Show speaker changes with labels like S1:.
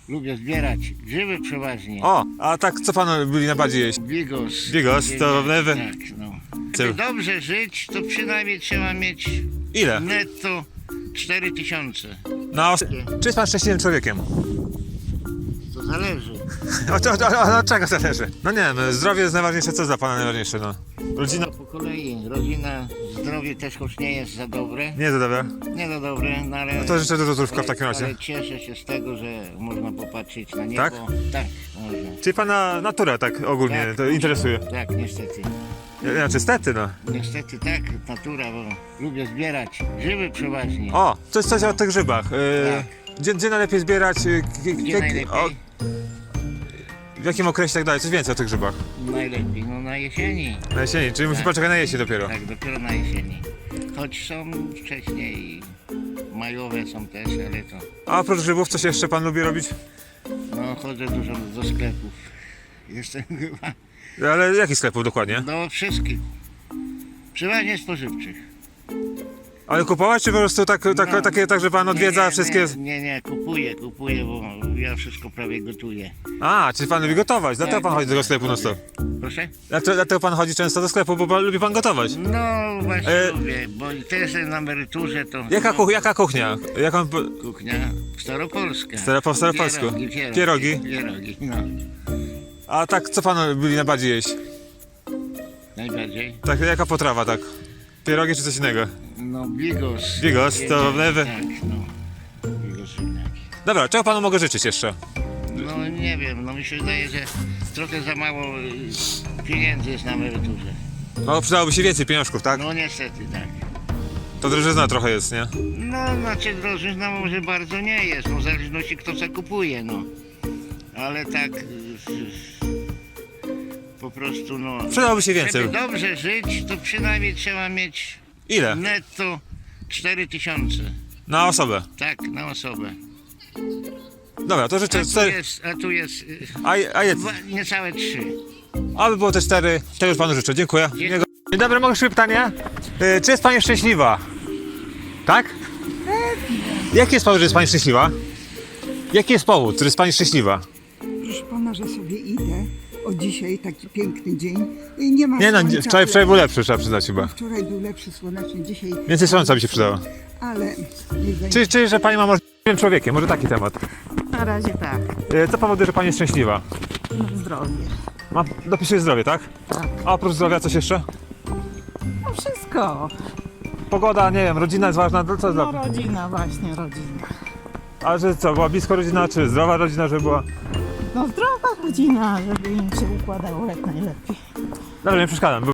S1: Lubię zbierać grzyby przeważnie.
S2: O, a tak co panu lubi najbardziej jeść?
S1: Bigos.
S2: Bigos, to lewy.
S1: Tak, no. Żeby dobrze żyć, to przynajmniej trzeba mieć
S2: Ile?
S1: netto 4000.
S2: Czy jest pan szczęśliwym człowiekiem?
S1: To zależy.
S2: Od czego zależy? No nie wiem, zdrowie jest najważniejsze, co jest dla pana najważniejsze, no? Rodzina?
S1: Po kolei. Rodzina, zdrowie też choć nie jest za dobre.
S2: Nie za dobre.
S1: Nie za dobre, no ale...
S2: No to życzę dużo zdrówka w takim razie.
S1: Ale cieszę się z tego, że można popatrzeć na niebo.
S2: Tak?
S1: Tak, można.
S2: Czyli pana natura tak ogólnie
S1: Tak,
S2: to interesuje?
S1: Tak, niestety.
S2: Znaczy stety, no.
S1: Niestety tak, natura, bo lubię zbierać grzyby przeważnie.
S2: O, coś o tych grzybach. Gdzie najlepiej zbierać?
S1: Gdzie najlepiej?
S2: W jakim okresie tak dalej? Coś więcej o tych grzybach.
S1: Najlepiej, no na jesieni.
S2: Na jesieni, czyli musi poczekać na jesień dopiero.
S1: Tak, dopiero na jesieni. Choć są wcześniej majowe są też, ale to...
S2: A oprócz grzybów, coś jeszcze pan lubi robić?
S1: No chodzę dużo do sklepów. Jestem chyba
S2: Ale jakich sklepów dokładnie?
S1: do wszystkich. Przeważnie spożywczych.
S2: Ale kupować, czy po prostu
S1: No.
S2: takie, tak, że pan odwiedza wszystkie...
S1: Nie, kupuję, bo ja wszystko prawie gotuję.
S2: A, czyli pan lubi gotować, dlatego
S1: Tak.
S2: pan chodzi do tego sklepu non stop.
S1: Proszę?
S2: Dlatego pan chodzi często do sklepu, bo lubi pan gotować.
S1: No właśnie lubię, bo i też na emeryturze to...
S2: Jaka kuchnia? Jaką...
S1: Kuchnia staropolska.
S2: Po staropolsku.
S1: Pierogi, no.
S2: A tak, co pan lubi najbardziej jeść?
S1: Najbardziej.
S2: Tak, jaka potrawa, tak? Pierogi czy coś innego?
S1: No bigos.
S2: Bigos, to lewy.
S1: Tak, no. Bigos ziemniaki.
S2: Dobra, czego panu mogę życzyć jeszcze?
S1: No nie wiem, no mi się wydaje, że trochę za mało pieniędzy jest na emeryturze.
S2: No przydałoby się więcej pieniążków, tak?
S1: No niestety tak.
S2: To drożyzna trochę jest, nie?
S1: No znaczy drożyzna może bardzo nie jest, no w zależności kto co kupuje, no. Ale tak po prostu no...
S2: Przydałoby się więcej.
S1: Żeby dobrze żyć, to przynajmniej trzeba mieć
S2: Ile?
S1: netto 4000.
S2: Na osobę.
S1: Tak, na osobę.
S2: Dobra, to życzę
S1: A tu jest
S2: A jest.
S1: niecałe 3.
S2: Aby było te 4, tego już panu życzę. Dziękuję. Dzień dobry, mogę szybkie pytanie? Czy jest pani szczęśliwa? Tak? Jaki jest powód, że jest pani szczęśliwa? Jaki jest powód, że jest pani szczęśliwa?
S3: Proszę pana, że sobie idę. O dzisiaj taki piękny dzień i nie ma
S2: Nie no,
S3: słońca,
S2: wczoraj był lepszy, trzeba przyznać chyba.
S3: Wczoraj był lepszy słoneczny, dzisiaj...
S2: Więcej słońca by się przydało.
S3: Ale nie będzie.
S2: Czy że pani ma możliwym człowiekiem? Może taki temat.
S4: Na razie tak,
S2: Co powoduje, że pani jest szczęśliwa?
S4: zdrowie.
S2: Dopisuje zdrowie, tak?
S4: Tak.
S2: A oprócz zdrowia coś jeszcze?
S4: No wszystko.
S2: Pogoda, nie wiem, rodzina jest ważna, co jest
S4: No
S2: dla...
S4: rodzina, właśnie rodzina.
S2: A że co, była blisko rodzina, czy zdrowa rodzina, żeby była...
S4: No zdrowa rodzina, żeby im się układało jak najlepiej.
S2: Dobra, nie przeszkadzam.